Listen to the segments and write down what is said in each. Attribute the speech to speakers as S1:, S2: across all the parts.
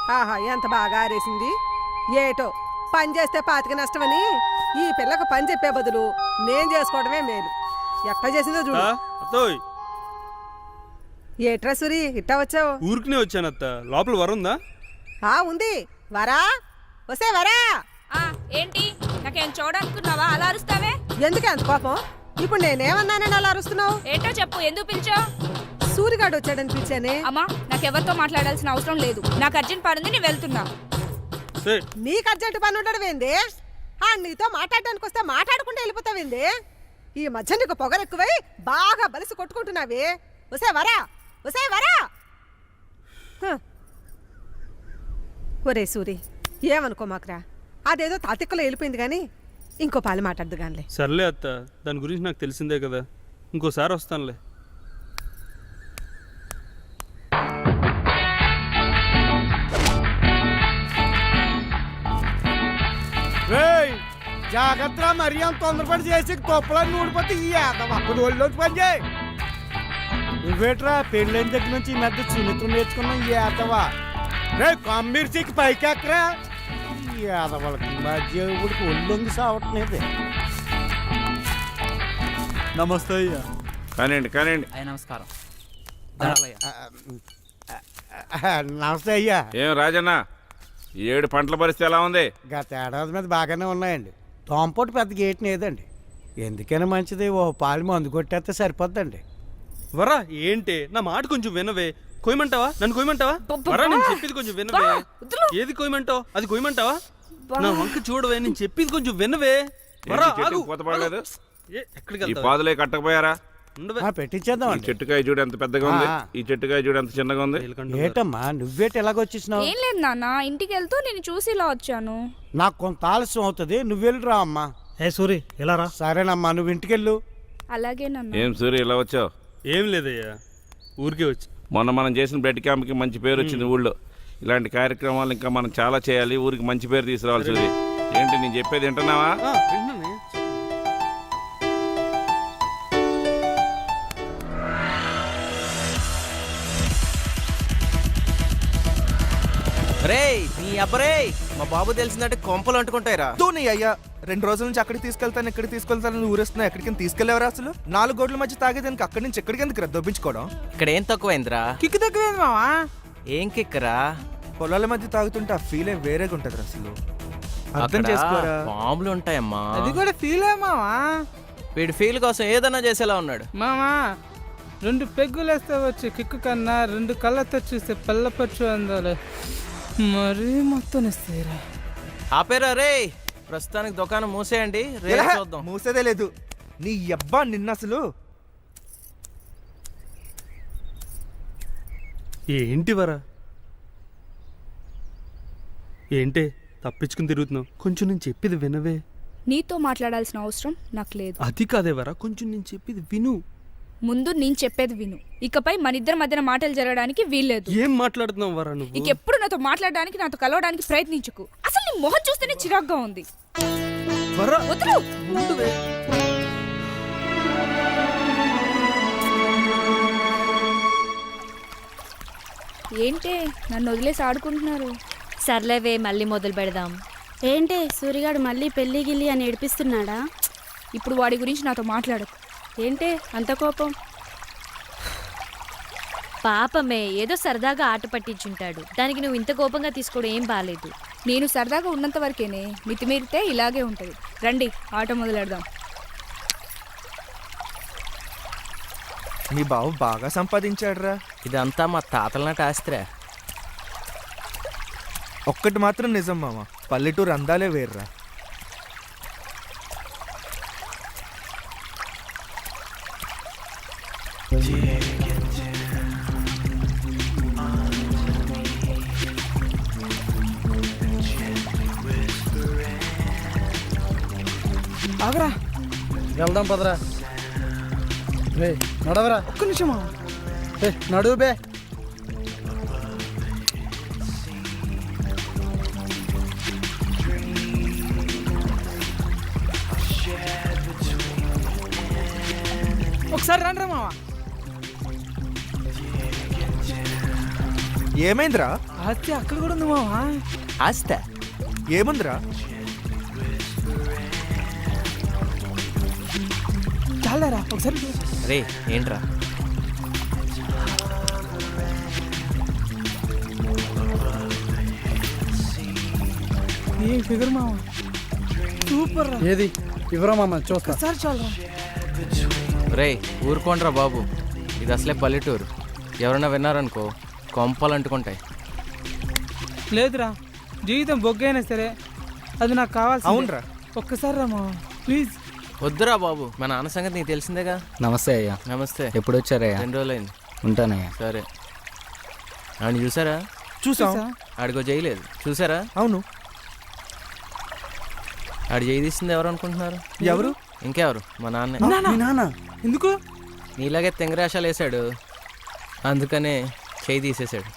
S1: ఆహా ఎంత బాగా ఆరేసింది. ఏటో పని చేస్తే పాతికి నష్టమని ఈ పిల్లకు పని చెప్పే బదులు నేను చేసుకోవడమే మేలు. ఎట్లా చేసిందో చూడు.
S2: అత్తోయ్
S1: ఏట్రా సూరి ఇట్టా వచ్చావు?
S2: ఊరికినే వచ్చాను అత్త. లోపల వరుందా?
S1: ఉంది. వరా వసే వరా.
S3: ఏంటి నాకేం చూడనుకున్నావా? అలా అరుస్తావే
S1: ఎందుకే అంత కోపం? ఇప్పుడు నేనేమన్నానని అలా అరుస్తున్నావు?
S3: ఏంటో చెప్పు, ఎందుకు పిలిచావు?
S1: సూరిగాడు వచ్చాడని పిలిచానే.
S3: అమ్మా నాకెవరితో మాట్లాడాల్సిన అవసరం లేదు. నాకు అర్జెంట్ పని ఉంది, నేను వెళ్తున్నా.
S1: నీకు అర్జెంట్ పని ఉండడం ఏంది? నీతో మాట్లాడడానికి వస్తే మాట్లాడుకుంటూ వెళ్ళిపోతావేంది? ఈ మధ్య నీకు పొగరెక్కువై బాగా బలిసి కొట్టుకుంటున్నావి. వసే వరా వసే వరా. ఒరే సూరి ఏమనుకో మాకురా, అదేదో తాతిక్కలో వెళ్ళిపోయింది కానీ ఇంకో పాలు మాట్లాడదు గానిలే.
S2: సర్లే అత్త, దాని గురించి నాకు తెలిసిందే కదా, ఇంకోసారి వస్తానులే.
S4: జాగ్రత్త, మరీ అంత తొందరపడి చేసి తొప్పలని ఊడిపోతే ఈ ఒళ్ళోకి పని చేయి. నువ్వేట్రా పెళ్ళైన దగ్గర నుంచి ఈ మధ్య సున్నితం నేర్చుకున్నా ఈ ఏతవా. రే కమ్మిర్చికి పైకి ఎక్కరా. ఈ ఏదవాళ్ళకి మధ్య ఊడికి ఒళ్ళొంగి సావట్లేదు.
S5: నమస్తే అయ్యా.
S6: కానివ్వండి కానివ్వండి.
S5: నమస్కారం.
S4: నమస్తే అయ్యా.
S6: ఏం రాజన్న, 7 పంటల పరిస్థితి ఎలా ఉంది?
S4: గత ఏడాది మీద బాగానే ఉన్నాయండి. తోంపోటు పెద్ద గేట్ లేదండి. ఎందుకైనా మంచిది ఓ పాలు మందు కొట్టేస్తే సరిపోద్దండి.
S2: వరా ఏంటి, నా మాట కొంచెం వినవే. కొయ్యమంటావా? నన్ను కొయ్యమంటావా? వరా నేను చెప్పేది కొంచెం వినవే. ఏది కొయ్యమంటావు? అది కొయ్యమంటావా? నా వంక చూడవే, నేను చెప్పేది కొంచెం వినవే. వరా ఆగు.
S6: పోతపడలేదు.
S2: ఎక్కడికి
S6: ఈ పాదులే కట్టకపోయారా?
S4: పెట్టించేద్దాం.
S6: ఈ చెట్టుకాయ చూడు ఎంత పెద్దగా ఉంది, ఈ చెట్టుకాయ చూడు ఎంత చిన్నగా ఉంది.
S4: ఏటమ్మా నువ్వేటి ఎలాగొచ్చేసినావు?
S3: ఏం లేదు నాన్న, ఇంటికి వెళ్తూ నేను చూసి ఇలా వచ్చాను.
S4: నాకు కొంత ఆలస్యం అవుతుంది, నువ్వు వెళ్ళిరా అమ్మా.
S5: ఏ సూరి ఇలా రా.
S4: సరేనమ్మా, నువ్వు ఇంటికెళ్ళు.
S3: అలాగే నాన్న.
S6: ఏం సూర్య ఇలా వచ్చావు?
S2: ఏం లేదయ్యా, ఊరికే వచ్చి.
S6: మొన్న మనం చేసిన బ్లడ్ క్యాంప్కి మంచి పేరు వచ్చింది ఊళ్ళో. ఇలాంటి కార్యక్రమాలు ఇంకా మనం చాలా చేయాలి, ఊరికి మంచి పేరు తీసుకురావాలి. సూర్య ఏంటి నేను చెప్పేది వింటున్నావా?
S7: రే నీ అబ్బరే, మా బాబు తెలిసిందంటే కొంపలు అంటుకుంటాయిరా.
S8: నీ అయ్యా 2 రోజుల నుంచి అక్కడికి తీసుకెళ్తాను ఇక్కడికి తీసుకెళ్తాను ఊరేస్తున్నా. ఎక్కడికి తీసుకెళ్లేవరా? అసలు 4 గోడ్ల మధ్య తాగేదానికి అక్కడి నుంచి ఎక్కడికి ఎందుకు దొబ్బించుకోవడం?
S7: ఇక్కడ ఏం తక్కువైందిరా?
S8: కిక్కు తక్కువైంది మావా.
S7: ఏం కిక్కరా?
S8: పొలాల మధ్య తాగుతుంటే ఆ ఫీలే వేరేగా ఉంటది అసలు. అర్థం చేసుకోరా.
S7: బాంబులు ఉంటాయమ్మా.
S8: అది కూడా ఫీలే మావా.
S7: వీడి ఫీల్ కోసం ఏదన్నా చేసేలా ఉన్నాడు.
S9: మామా 2 పెగ్గులేస్తే వచ్చే కిక్కు కన్నా 2 కళ్ళతో చూస్తే పిల్లపచ్చు అందాలి. మరీ మొత్తం ఇస్తారా?
S7: ఆపేరా రే, ప్రస్తుతానికి దుకాణం మూసేయండి, రేపు చూద్దాం.
S8: మూసేదే లేదు నీ అబ్బా. నిన్న అసలు
S2: ఏంటి వరా, ఏంటే తప్పించుకుని తిరుగుతున్నావు? కొంచెం నేను చెప్పేది వినవే.
S3: నీతో మాట్లాడాల్సిన అవసరం నాకు లేదు.
S2: అది కాదే వరా, కొంచెం నేను చెప్పేది విను.
S3: ముందు నేను చెప్పేది విను. ఇకపై మన ఇద్దరి మధ్యన మాటలు జరగడానికి వీల్లేదు.
S2: ఏం మాట్లాడుతున్నావు వరా నువ్వు?
S3: ఇంకెప్పుడు నాతో మాట్లాడడానికి, నాతో కలవడానికి ప్రయత్నించుకు. అసలు నీ మొహం చూస్తేనే చిరాగ్గా ఉంది. వదలు. ఏంటే నన్ను వదిలేసి ఆడుకుంటున్నారు?
S10: సర్లేవే, మళ్ళీ మొదలు పెడదాం.
S11: ఏంటే సూరిగాడు మళ్ళీ పెళ్లి గిల్లి అని ఏడిపిస్తున్నాడా?
S3: ఇప్పుడు వాడి గురించి నాతో మాట్లాడకు.
S11: ఏంటే అంత కోపం?
S10: పాపమే, ఏదో సరదాగా ఆట పట్టించుంటాడు. దానికి నువ్వు ఇంత కోపంగా తీసుకోవడం ఏం బాలేదు.
S3: నేను సరదాగా ఉన్నంత వరకేనే, మితిమీరితే ఇలాగే ఉంటుంది. రండి ఆట మొదలెడదాం.
S8: మీ బాబు బాగా సంపాదించాడురా.
S7: ఇదంతా మా తాతల నాటి ఆస్తిరా.
S8: ఒక్కటి మాత్రం నిజం మామ, పల్లెటూరు అందాలే వేర్రా.
S9: ఆగరా,
S5: వెళ్దాం పదరా. రే నడవరా.
S9: ఒక్క నిమిషమా.
S5: నడువు బే.
S9: ఒకసారి రండి మావా.
S8: ఏమైందిరా?
S9: ఆస్తి అక్కడ కూడా ఉంది మావా.
S8: ఆస్తా ఏముందిరా?
S9: చాలరా ఒకసారి చూడు.
S7: రే ఏంట్రా?
S9: ఏం ఫిగర్ మావా, సూపర్ రా.
S5: ఏది ఇవ్వరా మామ చూస్తా.
S9: ఒకసారి చాలరా.
S7: రే ఊరుకోండ్రా బాబు, ఇది అసలే పల్లెటూరు. ఎవరైనా విన్నారనుకో కొంపలు అంటుకుంటాయి.
S9: లేదురా, జీవితం బొగ్గైనా సరే అది నాకు కావాల్సి.
S8: అవునరా.
S9: ఒక్కసారి రా మావా ప్లీజ్.
S7: వద్దురా బాబు, మా నాన్న సంగతి నీకు తెలిసిందేగా.
S5: నమస్తే అయ్యా.
S7: నమస్తే.
S5: ఎప్పుడు వచ్చారయ్యా?
S7: 2 రోజులైంది.
S5: ఉంటానయ్యా.
S7: సరే. ఆయన చూసారా?
S8: చూసాం.
S7: ఆడికో చేయలేదు చూసారా?
S8: అవును.
S7: ఆడు చేయి తీసింది ఎవరు అనుకుంటున్నారు?
S8: ఎవరు?
S7: ఇంకెవరు, మా నాన్నే.
S5: మీ నాన్న
S9: ఎందుకు?
S7: నీలాగే తెంగరాశాలు వేసాడు, అందుకనే చేయి తీసేశాడు.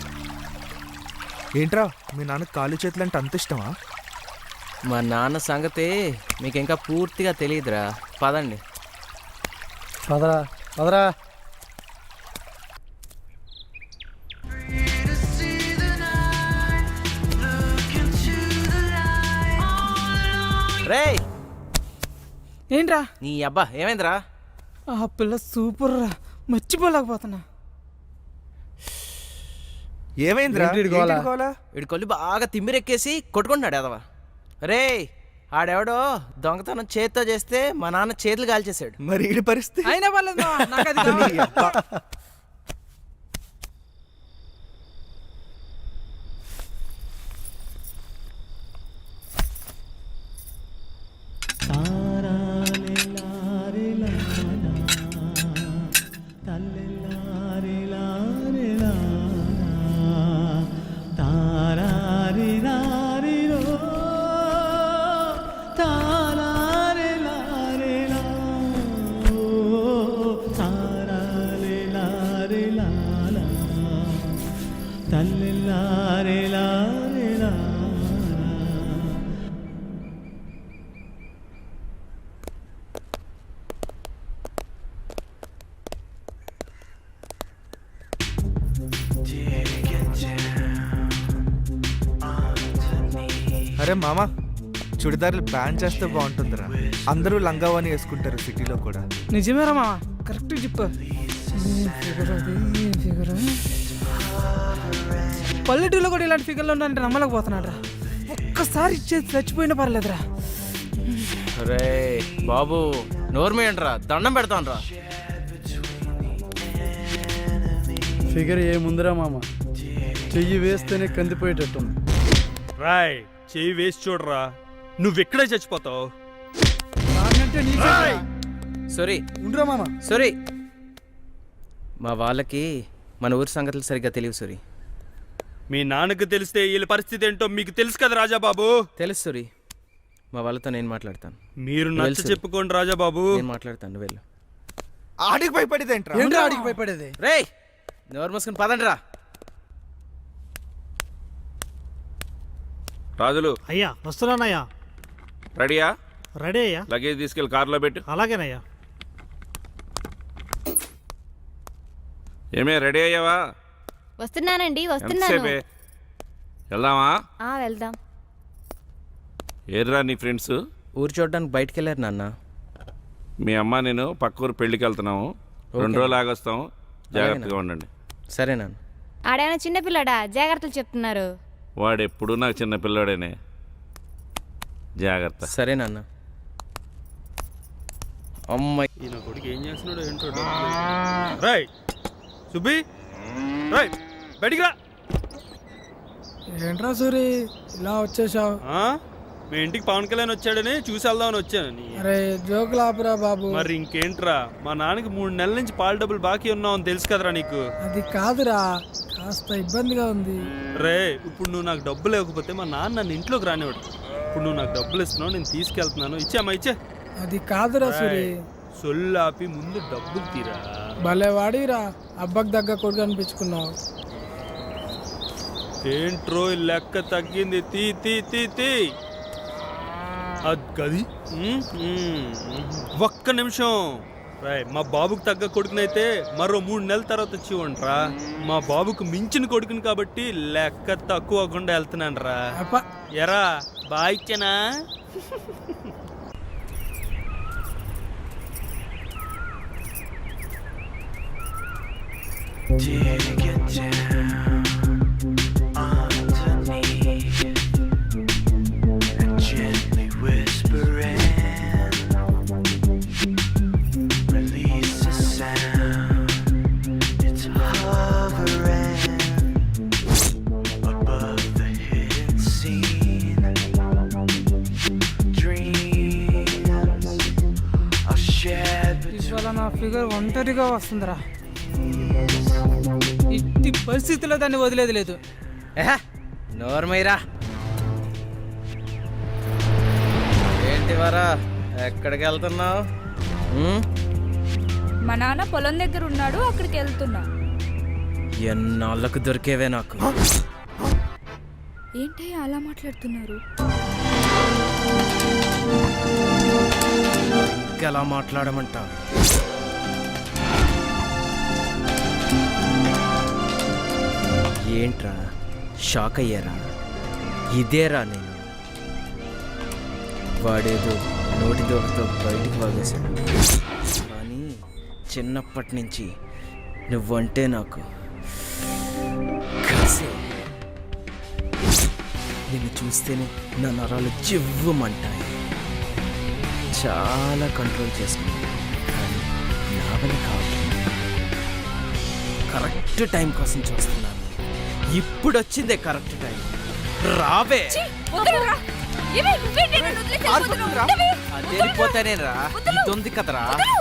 S8: ఏంట్రా మీ నాన్నకు కాలు చేతులు అంటే అంత ఇష్టమా?
S7: మా నాన్న సంగతి మీకు ఇంకా పూర్తిగా తెలియదురా. పదండి.
S5: పదరా పదరా.
S7: రే
S9: ఏంట్రా?
S7: నీ అబ్బా ఏమైందిరా?
S9: ఆ పిల్ల సూపర్ రా, మర్చిపోలేకపోతున్నా.
S8: ఏమైందిరా?
S5: ఏంటి గోల?
S8: ఏంటి గోల?
S7: వీడి కొల్లు బాగా తిమ్మిరెక్కేసి కొట్టుకుంటున్నాడు ఎదవా. రే ఆడెవడో దొంగతనం చేత్తో చేస్తే మా నాన్న చేతులు కాల్చేశాడు.
S8: మరి ఈడి పరిస్థితి?
S9: అయినా పర్లేదు మావా, నాకు అది కావాలి.
S8: అరే మామ, చుడిదార్లు బ్యాన్ చేస్తే బాగుంటుందిరా. అందరూ లంగావాణి వేసుకుంటారు సిటీలో కూడా.
S9: నిజమేరా మావా, కరెక్ట్ చెప్పు. ఏం ఫిగర్ అది, ఏం ఫిగర్. పల్లెటూరులో కూడా ఇలాంటి ఫిగర్లు ఉన్నాయంటే నమ్మలేకపోతున్నాడు రా. ఒక్కసారి ఇచ్చేది చచ్చిపోయినా పర్లేదురా.
S7: రే బాబు నోర్మే అంటరా, దండం పెడతాను రా.
S5: ఫిగర్ ఏముందిరా మామ, చెయ్యి వేస్తేనే కందిపోయేటట్టుంది.
S2: రాయ్ చెయ్యి వేసి చూడరా, నువ్వెక్కడే చచ్చిపోతావు.
S7: సారీ
S5: ఉండరా మామ.
S7: సారీ, మా వాళ్ళకి మన ఊరి సంగతులు సరిగ్గా తెలియవు సూరి.
S2: మీ నాన్నకు తెలిస్తే వీళ్ళ పరిస్థితి ఏంటో మీకు తెలుసు కదా రాజాబాబు.
S7: తెలుసు సూరి, మా వాళ్ళతో నేను మాట్లాడతాను.
S2: మీరు నచ్చ చెప్పుకోండి రాజాబాబు.
S7: నేను మాట్లాడతాను, వెళ్ళు.
S8: ఆడికి భయపడేది ఏంట్రా?
S5: ఏంట్రా ఆడికి భయపడేది?
S7: రే నోరు మూసుకుని పదండి రా.
S6: రాజులు
S5: అయ్యా వస్తున్నానయ్యా.
S6: రెడీయా?
S5: రెడీ అయ్యా.
S6: లగేజ్ తీసుకెళ్ళి కారులో పెట్టు.
S5: అలాగేనయ్యా.
S6: ఏమే రెడీ అయ్యావా?
S10: వస్తున్నానండి,
S6: ఎంతసేపే? వెళ్దామా?
S10: వెళ్దాం.
S6: ఏర్రా నీ ఫ్రెండ్స్?
S7: ఊరు చూడడానికి బయటికి వెళ్ళారు నాన్న.
S6: మీ అమ్మ నేను పక్క ఊరు పెళ్ళికి వెళ్తున్నాము. 2 రోజులు ఆగొస్తాం, జాగ్రత్తగా ఉండండి.
S7: సరే నాన్న.
S10: ఆడేమైనా చిన్నపిల్లడా, జాగ్రత్తలు చెప్తున్నారు.
S6: వాడు ఎప్పుడు నాకు చిన్న పిల్లాడేనే, జాగ్రత్త.
S7: సరే నాన్న. అమ్మాయి
S2: ఈయన కొడుకు ఏం చేస్తున్నాడు ఏంటో. రాయ్ సుబ్బి, రాయ్ బయటికి రా.
S9: ఏంట్రా సూరి ఇలా వచ్చేసావు?
S2: మీ ఇంటికి పవన్ కళ్యాణ్ వచ్చాడని చూసి వెళ్దామని వచ్చాను.
S9: అరే జోకులు ఆపురా బాబు.
S2: మరి ఇంకేంట్రా, మా నాన్నకి 3 నెలల నుంచి పాల డబ్బులు బాకీ ఉన్నావని తెలుసు కదరా నీకు.
S9: అది కాదురా, కాస్త ఇబ్బందిగా ఉంది.
S2: రే ఇప్పుడు నువ్వు నాకు డబ్బులు ఇవ్వకపోతే మా నాన్న నన్ను ఇంట్లోకి రానివాడు. ఇప్పుడు నువ్వు నాకు డబ్బులు ఇస్తున్నావు, నేను తీసుకెళ్తున్నాను. ఇచ్చామా ఇచ్చే.
S9: అది కాదురా సూరి.
S2: సొల్లాపి ముందు డబ్బులు తీరా.
S9: భలే వాడిరా, అబ్బకు దగ్గర కొడుకు అనిపించుకున్నావు.
S2: ఏంట్రో లెక్క తగ్గింది. తీ తీ తీ తీ. అది ఒక్క నిమిషం. రాయ్ మా బాబుకు తగ్గ కొడుకునైతే మరో 3 నెలల తర్వాత వచ్చి ఇవ్వండిరా. మా బాబుకు మించిన కొడుకుని కాబట్టి లెక్క తక్కువ అవ్వకుండా వెళ్తున్నాను రా. ఎరా బాయిచ్చనా?
S9: ఇవాళ నా ఫిగర్ ఒంటరిగా వస్తుందిరా. ఇట్టి పరిస్థితిలో దాన్ని వదిలేదు లేదు.
S7: నోర్మైరా ఏంటి వరా ఎక్కడికి వెళ్తున్నావు?
S3: మా నాన్న పొలం దగ్గర ఉన్నాడు, అక్కడికి వెళ్తున్నా.
S7: ఎన్నాళ్ళకు దొరికేవే నాకు.
S3: ఏంటయ్యా అలా మాట్లాడుతున్నారు?
S7: ఎలా మాట్లాడమంటా? ఏంట్రా షాక్ అయ్యారా? ఇదేరా నేను. వాడేదో నోటి దోకతో బయటికి వాగేశాడు, కానీ చిన్నప్పటి నుంచి నువ్వంటే నాకు కసే. నిన్ను చూస్తేనే నా నరాలు జివ్వమంటాయి. చాలా కంట్రోల్ చేసుకున్నాను, కానీ నా వల్ల కావట్లేదు. కరెక్ట్ టైం కోసం చూస్తున్నాను. ఇప్పుడు వచ్చిందే కరెక్ట్ టైం. రావే. అదేపోతానే రా. ఇది ఉంది కదరా.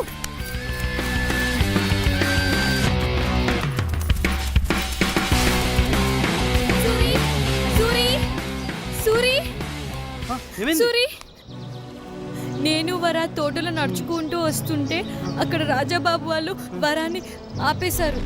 S10: సూరి, నేను వరా తోటలో నడుచుకుంటూ వస్తుంటే అక్కడ రాజాబాబు వాళ్ళు వరాన్ని ఆపేశారు.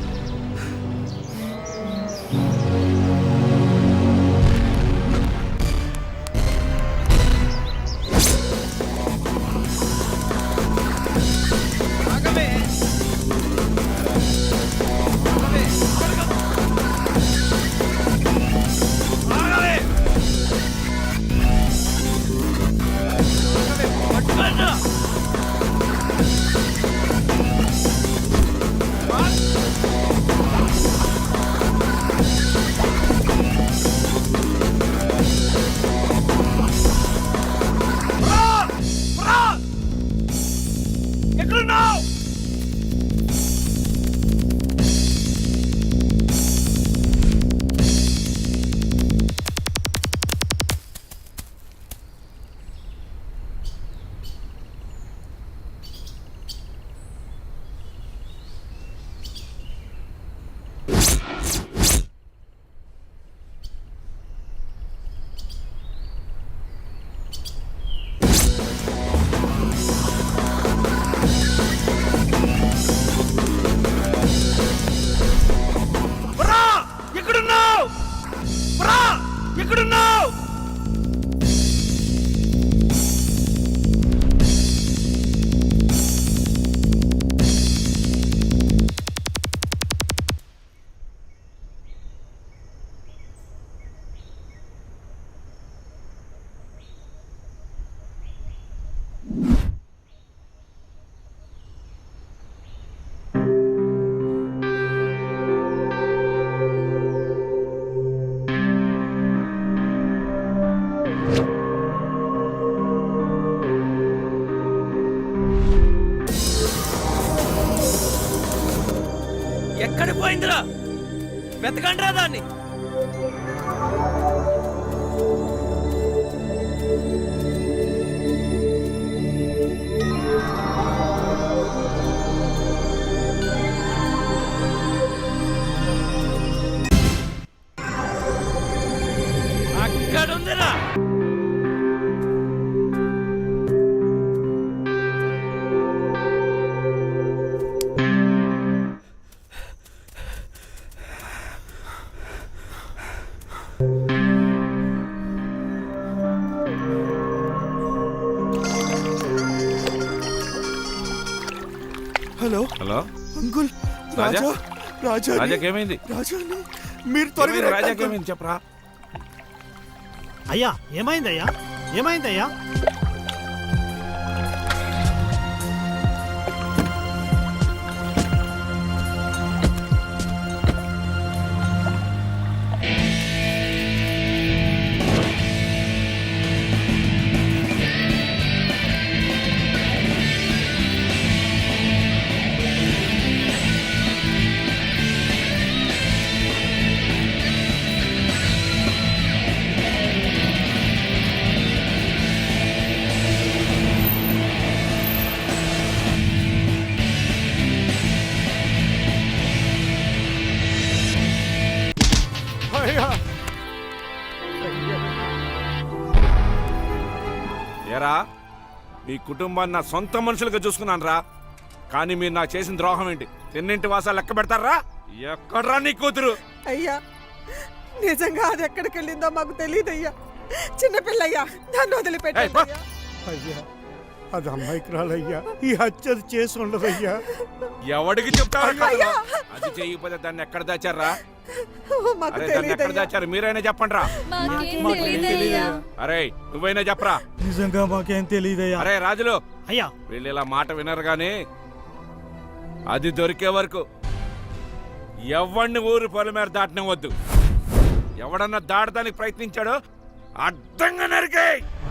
S7: ఎక్కడ పోయిందిరా? వెతకండి రా దాన్ని. అక్కడుందిరా.
S6: Hello
S8: uncle
S6: Raja?
S8: రాజా రాజా
S6: రాజాకేమైంది?
S8: రాజాని మీరు త్వరగా రండి, అంకుల్.
S6: రాజాకేమైంది చెప్పరా?
S5: అయ్యా ఏమైందయ్యా ఏమైందయ్యా?
S4: అయ్యా
S6: ఏరా మీ కుటుంబాన్ని నా సొంత మనుషులుగా చూసుకున్నాను రా, కానీ మీరు నాకు చేసిన ద్రోహం ఏంటి? తిన్నింటి వాసాలు లెక్క పెడతారా? ఎక్కడ్రా నీ కూతురు?
S1: అయ్యా నిజంగా అది ఎక్కడికి వెళ్ళిందో మాకు తెలియదయ్యా. చిన్నపిల్లయ్యా, దాన్ని వదిలిపెట్టయ్యా.
S4: అయ్యా అది అమ్మాయికురాలయ్యా, ఈ హత్య చేసి ఉండదయ్యా.
S6: ఎవడికి చెప్తావు? అది చేయకపోతే దాన్ని ఎక్కడ దాచారా?
S1: మాకు
S6: అరే దాన్ని ఎక్కడ దాచారు? మీరైనా చెప్పండి రా. అరే నువ్వైనా చెప్పరా?
S5: నిజంగా మాకేం తెలియదయ్యా.
S6: అరే రాజులు,
S5: అయ్యా
S6: వీళ్ళు ఇలా మాట వినరు గాని అది దొరికే వరకు ఎవడిని ఊరు పొలం మీద దాటనివ్వద్దు. ఎవడన్నా దాటడానికి ప్రయత్నించాడో అడ్డంగా నరికే.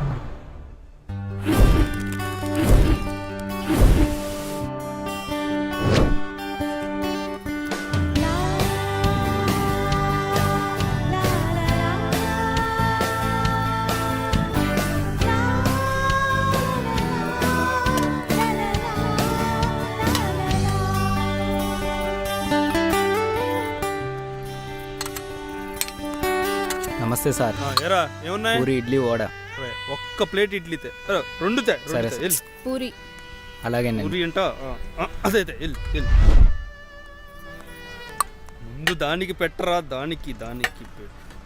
S7: నమస్తే సార్.
S2: ఏరా ఏమున్నాయి?
S7: పూరి ఇడ్లీ వడ.
S2: అరే, ఒక్క ప్లేట్ ఇడ్లీ తే. అరే, రెండు తే, రెండు
S7: సరే,
S2: తే. ఎల్.
S3: పూరి.
S7: అలాగే
S2: పూరి అంట అదే ఎల్ ఎల్. ముందు దానికి పెట్టరా, దానికి పెట్టు.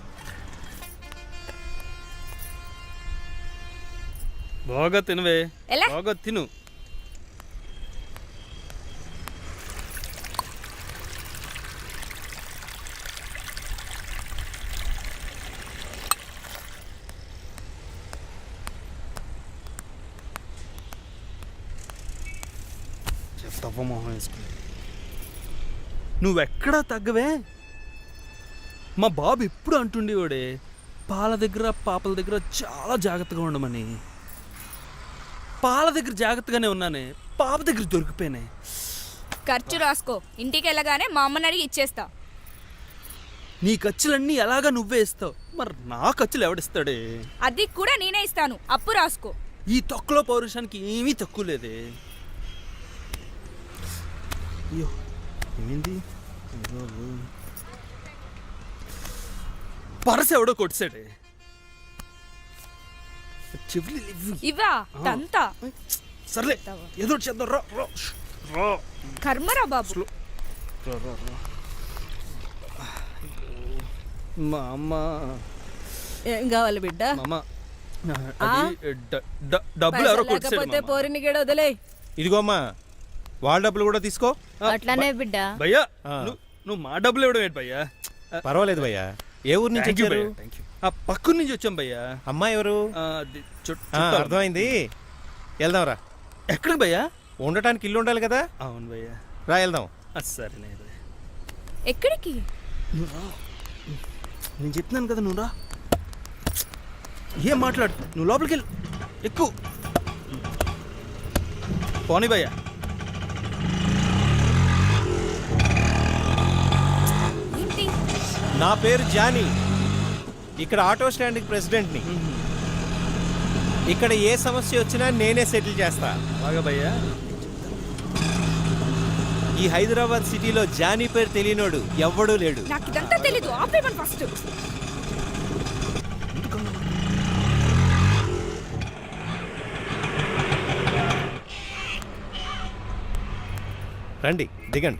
S2: బాగా తినవే,
S3: ఎలా?
S2: బాగా తిను. మొహం వేసుకుని నువ్వెక్కడా తగ్గవే. మా బాబు ఎప్పుడు అంటుండేవాడే పాల దగ్గర పాపల దగ్గర చాలా జాగ్రత్తగా ఉండమని. పాల దగ్గర జాగ్రత్తగానే ఉన్నానే, పాప దగ్గర దొరికిపోయినాయి.
S3: ఖర్చు రాసుకో, ఇంటికి వెళ్ళగానే మా అమ్మని అడిగి ఇచ్చేస్తా.
S2: నీ ఖర్చులన్నీ ఎలాగా నువ్వే ఇస్తావు, మరి నా ఖర్చులు ఎవడిస్తాడే?
S3: అది కూడా నేనే ఇస్తాను, అప్పు రాసుకో.
S2: ఈ తొక్కలో పౌరుషానికి ఏమీ తక్కువ లేదే. అయ్యో ఏమైంది? పరస ఎవడో కొట్టాడే. చెవులు
S3: ఇవా తంతా.
S2: సర్లే ఏదో చేద్దాం. రా రా రా.
S3: కర్మరా బాబు.
S2: రా రా రా. మా అమ్మ
S1: ఏం కావాలి బిడ్డ?
S2: మామ అది డబ్బులు ఎవరో కొట్టాడు.
S1: పోరిని గడ వదిలే.
S8: ఇదిగో అమ్మా, వాళ్ళ డబ్బులు కూడా తీసుకో.
S10: అట్లానే బిడ్డ.
S2: భయ్యా నువ్వు మా డబ్బులు ఇవ్వడం ఏంటి భయ్యా?
S8: పర్వాలేదు భయ్యా. ఏ ఊరు నుంచి వచ్చారు?
S2: ఆ పక్కన నుంచి వచ్చాం భయ్యా.
S8: అమ్మాయి ఎవరు? అర్థమైంది, వెళ్దాంరా.
S2: ఎక్కడికి భయ్యా?
S8: ఉండటానికి ఇల్లు ఉండాలి కదా.
S2: అవును భయ్యా,
S8: రా వెళ్దాం.
S2: సరే
S3: ఎక్కడికి?
S2: నేను చెప్తున్నాను కదా, నువ్వు రా. ఏం మాట్లాడు, నువ్వు లోపలికి వెళ్ళు. ఎక్కువ పోనీ భయ్యా.
S8: నా పేరు జానీ, ఇక్కడ ఆటో స్టాండ్కి ప్రెసిడెంట్ని. ఇక్కడ ఏ సమస్య వచ్చినా నేనే సెటిల్ చేస్తా.
S2: బాగా భయ్యా.
S8: ఈ హైదరాబాద్ సిటీలో జానీ పేరు తెలియనోడు ఎవ్వడూ లేడు.
S3: నాకు ఇదంతా తెలీదు, ఆపేమని ఫస్ట్.
S8: రండి దిగండి.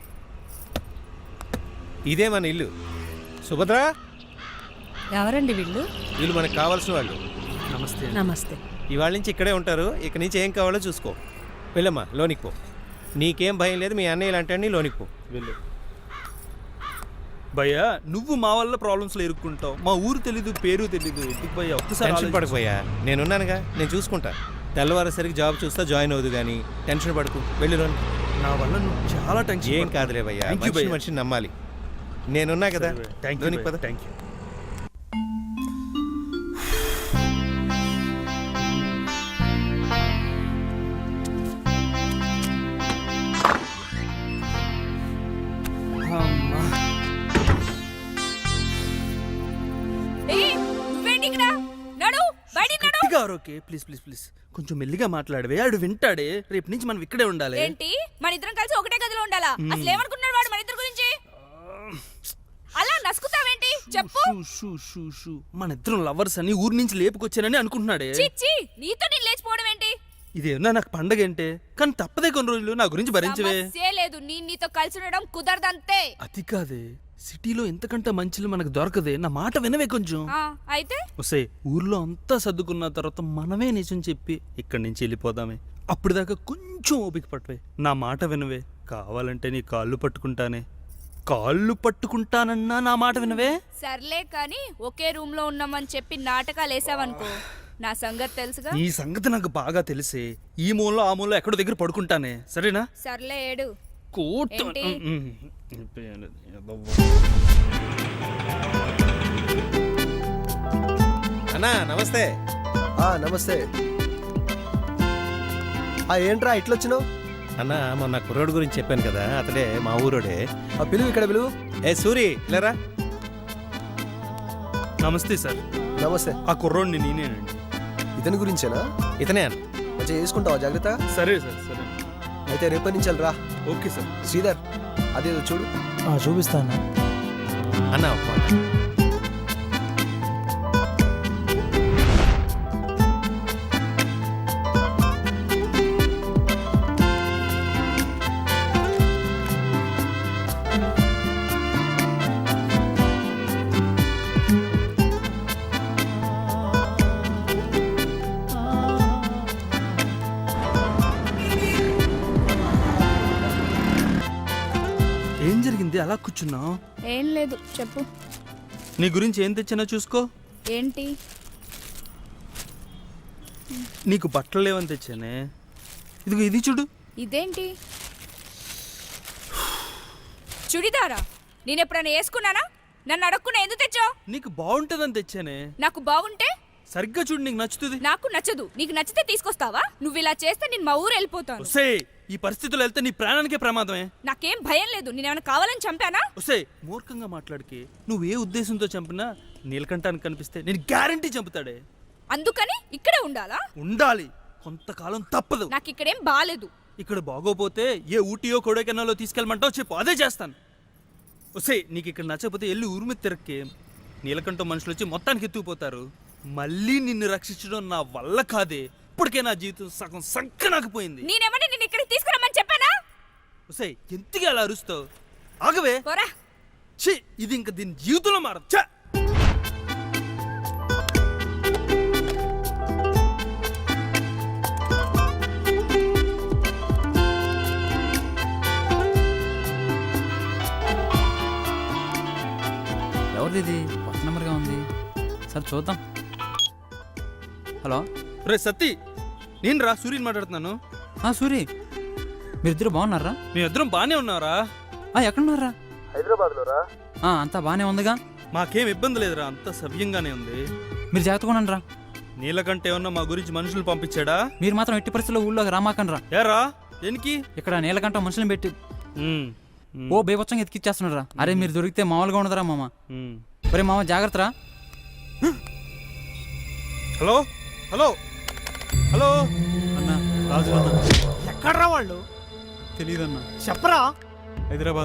S8: ఇదే మన ఇల్లు. సుభద్ర,
S1: ఎవరండి వీళ్ళు?
S8: వీళ్ళు మనకు కావాల్సిన వాళ్ళు.
S2: నమస్తే.
S1: నమస్తే.
S8: ఇవాళ నుంచి ఇక్కడే ఉంటారు. ఇక నుంచి ఏం కావాలో చూసుకో. వెళ్ళమ్మా లోనికి పో.
S7: నీకేం భయం లేదు, మీ అన్నయ్య ఇలాంటి లోనికి పో.
S2: వెళ్ళు భయ్యా. నువ్వు మా వల్ల ప్రాబ్లమ్స్ లో ఇరుక్కుంటావు. మా ఊరు తెలీదు, పేరు తెలీదు. ఎందుకు భయ్యా ఒక్కసారి
S7: టెన్షన్ పడిపోయా, నేనున్నానుగా, నేను చూసుకుంటా. తెల్లవారేసరికి జాబ్ చూస్తా, జాయిన్ అవుదు కానీ టెన్షన్ పడుకు. వెళ్ళు లోని.
S2: నా వల్ల నువ్వు చాలా టెన్షన్.
S7: ఏం కాదులే భయ్యా,
S2: Thank you భయ్యా.
S7: మనిషిని నమ్మాలి. నేనున్నా కదా. లోనికి పద.
S2: Thank you. అమ్మా.
S3: నువ్వేంటి ఇక్కడ? నడు, బయటికి నడు.
S2: గట్టిగా ఓకే, ప్లీజ్ ప్లీజ్ ప్లీజ్ కొంచెం మెల్లిగా మాట్లాడవే. ఆడు వింటాడే. రేపు నుంచి మనం ఇక్కడే ఉండాలి.
S3: ఏంటి మన ఇద్దరం కలిసి ఒకటే గదిలో ఉండాలా? అసలు ఏమనుకున్నాడు వాడు మన ఇద్దరి గురించి? అలా నసుకుతావేంటి చెప్పు.
S2: షూ షూ షూ మన ఇద్దరం లవర్స్ అని ఊరి నుంచి లేపుకొచ్చానని అనుకుంటున్నాడే.
S3: చిచ్చి, నీతో నేను లేచిపోవడం ఏంటి?
S2: ఇదేమన్నా నాకు పండగ ఏంటే, కానీ తప్పదే కొన్ని రోజులు నా గురించి భరించవే.
S3: సమస్యే లేదు, నీతో కలిసి ఉండడం కుదరదంతే.
S2: అది కాదే, సిటీలో ఎంతకంటే మంచిలు మనకు దొరకదే. నా మాట వినవే కొంచెం.
S3: అయితే
S2: వస్తే ఊర్లో అంతా సర్దుకున్న తర్వాత మనమే నిజం చెప్పి ఇక్కడి నుంచి వెళ్ళిపోదామే. అప్పుడు దాకా కొంచెం ఓపిక పట్టవే. నా మాట వినవే. కావాలంటే నీ కాళ్ళు పట్టుకుంటానే. కాళ్ళు పట్టుకుంటానన్నా నా మాట వినవే.
S3: సర్లే కానీ ఒకే రూమ్ లో ఉన్నామని చెప్పి నాటకాలు వేసావనుకో, నా సంగతి తెలుసుగా.
S2: ఈ సంగతి నాకు బాగా తెలిసే. ఈ మూలలో ఆ మూలలో ఎక్కడో దగ్గర పడుకుంటానే, సరేనా?
S3: సర్లే ఏడు.
S2: కోట
S3: ఏంటి?
S7: అన్నా నమస్తే.
S8: నమస్తే. ఏంట్రా ఇట్లొచ్చినావు?
S7: అన్న మొన్న కుర్రోడు గురించి చెప్పాను కదా, అతడే మా ఊరోడే.
S8: పిలువు, ఇక్కడ పిలువు.
S7: ఏ సూరి లేరా?
S2: నమస్తే సార్.
S8: నమస్తే.
S2: ఆ కుర్రోడిని నేనేనండి.
S8: ఇతని గురించేనా?
S7: ఇతనే అన్న.
S8: మంచిగా చేసుకుంటావా జాగ్రత్త?
S2: సరే సార్, సరే.
S8: అయితే రేపటి నుంచి రా.
S2: Okay sir.
S8: శ్రీధర్ అదేదో చూడు.
S5: చూపిస్తాను
S7: అన్న ఒక మాట.
S2: ఏం జరిగింది అలా కూర్చున్నావు?
S3: ఏం లేదు చెప్పు.
S2: నీ గురించి ఏం తెచ్చినా చూసుకో.
S3: ఏంటి?
S2: నీకు బట్టలు లేవని తెచ్చానే. ఇదిగో ఇది చూడు.
S3: ఇదేంటి? చుడిదారా? నేను ఎప్పుడైనా వేసుకున్నానా? నన్ను అడగకుండా ఎందుకు తెచ్చావు?
S2: నీకు బాగుంటదని తెచ్చానే.
S3: నాకు బాగుంటే
S2: సరిగ్గా చూడు, నీకు నచ్చుతుంది.
S3: నాకు నచ్చదు. నీకు నచ్చితే తీసుకొస్తావా? నువ్వు ఇలా చేస్తే నేను మా ఊరు వెళ్ళిపోతాను.
S2: ఒసే, ఈ పరిస్థితుల్లో వెళ్తే నీ ప్రాణానికే ప్రమాదమే.
S3: నాకేం భయం లేదు. నేనేమైనా కావాలని చంపానా?
S2: ఒసే, మూర్ఖంగా మాట్లాడికి. నువ్వు ఏ ఉద్దేశంతో చంపినా నీలకంఠానికి కనిపిస్తే నేను గ్యారంటీ చంపుతాడే.
S3: అందుకని ఇక్కడే ఉండాలా?
S2: ఉండాలి, కొంతకాలం తప్పదు.
S3: నాకు ఇక్కడేం బాలేదు.
S2: ఇక్కడ బాగోపోతే ఏ ఊటీయో కొడైకెనాలో తీసుకెళ్ళమంటావు చెప్పు, అదే చేస్తాను. ఒసే, నీకు ఇక్కడ నచ్చకపోతే వెళ్ళి ఊరి మీద తిరక్కే. నీలకంఠం మనుషులు వచ్చి మొత్తానికి ఎత్తుకుపోతారు. మళ్ళీ నిన్ను రక్షించడం నా వల్ల కాదే. ఇప్పటికే నా జీవితం సగం సంకనాకపోయింది.
S3: నేనేమని నిన్ను ఇక్కడికి తీసుకురమ్మని చెప్పానా?
S2: ఒసే, ఎంతగా అలా అరుస్తావు? ఆగవే.
S3: పోరా.
S2: ఛీ, ఇది ఇంక దీని జీవితంలో మారదు. ఛ!
S9: ఎవరిది? కొత్త నెంబర్గా ఉంది. సరే చూద్దాం. హలో.
S2: రే సత్తి, నేను రా, సూర్యని మాట్లాడుతున్నాను.
S9: సూరి, మీరిద్దరు బాగున్నారా?
S2: మీ ఇద్దరం బానే ఉన్నారా?
S9: ఎక్కడున్నారా?
S8: హైదరాబాద్లో రా.
S9: అంతా బాగానే ఉందిగా.
S2: మాకేం ఇబ్బంది లేదురా, అంతా సవ్యంగానే ఉంది.
S9: మీరు జాగ్రత్తగా ఉండండిరా.
S2: నీలకంటే ఏమన్నా మా గురించి మనుషులు పంపించాడా?
S9: మీరు మాత్రం ఎట్టి పరిస్థితుల్లో ఊళ్ళోకి రామాకండ్రా.
S2: ఏరా, దేనికి?
S9: ఇక్కడ నీలకంఠ మనుషులను పెట్టి ఓ బేబచ్చంగా ఎతికిచ్చేస్తున్నారా. అరే మీరు దొరికితే మామూలుగా ఉండదురా మామ. ఒరే మామ జాగ్రత్తరా.
S2: హలో హలో హలో
S9: అన్నా రాజు అన్న.
S5: ఎక్కడ్రా వాళ్ళు?
S9: తెలీదన్నా.
S5: చెప్పరా.
S9: హైదరాబాద్.